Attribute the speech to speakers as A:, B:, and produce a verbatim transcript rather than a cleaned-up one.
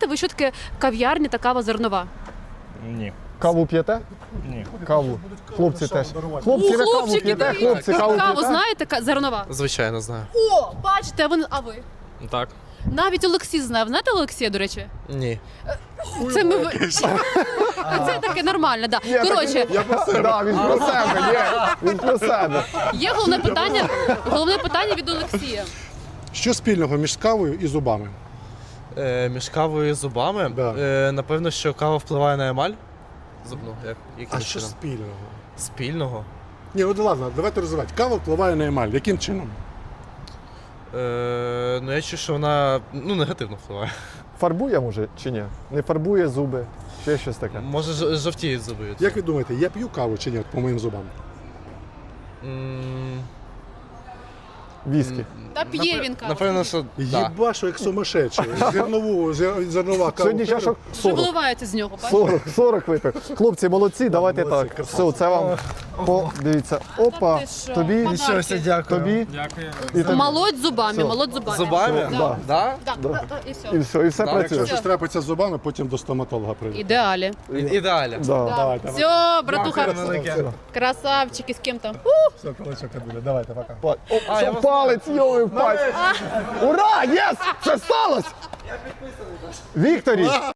A: знаєте ви, що таке кав'ярня та кава зернова?
B: Ні.
C: Каву п'єте?
B: Ні.
C: Каву. Хлопці теж. Хлопці, ви каву
A: хлопчики,
C: п'єте?
A: дають.
C: Хлопці, каву
A: Каву
C: п'єте?
A: знаєте, ка- зернова?
D: Звичайно, знаю.
A: О, бачите, а ви, а ви?
D: Так.
A: Навіть Олексій знає. Знаєте Олексія, до речі?
D: Ні.
A: Це ми... ви- Це таке нормально, да.
C: Ні,
A: Коротше,
C: Я про себе. Да, він про себе, ні. Він про себе.
A: є головне питання, головне питання від Олексія.
E: Що спільного між кавою і зубами?
D: Е, між кавою і зубами,
E: Да.
D: е, напевно, що кава впливає на емаль зубну. Як, яким
E: А що
D: чином?
E: спільного?
D: Спільного?
E: Ні, от ладно, давайте розвивати. Кава впливає на емаль. Яким чином?
D: Е, ну я чую, що вона ну, негативно впливає.
C: Фарбує, може, чи ні? Не фарбує зуби, ще щось таке.
D: Може ж- жовтіють зуби. від
E: Як
D: цього.
E: ви думаєте, я п'ю каву чи ні от по моїм зубам?
D: М,
C: Віскі.
A: Та п'є він каву.
D: Напевно, що да.
E: Єбашу, як сумасшедший. Зернову, зер- зернова кава.
C: Сьогодні чашок
A: Вже
C: сорок.
A: виливається з нього, бачите?
C: сорок, сорок випив. Хлопці, молодці, давайте
E: молодці,
C: так.
E: красавці.
C: Все, це вам. О, дивіться. Опа,
A: Та ти що?
C: тобі,
A: Подарки.
D: дякую.
C: тобі
B: Дякую.
C: і тобі.
A: Молодь зубами,
C: Все.
A: молодь зубами.
D: Зубами?
C: Да.
D: Да?
A: Так,
C: Да.
A: та- та, і все.
C: І все, і все
D: Да,
C: працює.
E: Якщо щось трапиться з зубами, потім до стоматолога прийде.
A: Ідеалі.
D: І- Ідеально.
C: Да.
E: Давай, давай.
A: Все, братуха,
D: велике.
A: красавчики, з ким там.
E: Все, кулачок буде. Давайте, пока.
C: Па- О,
D: А, я
C: що
D: вас
C: палець, йовий в пальці. Ура, єс! Це сталося! Я підписаний. Вікторій,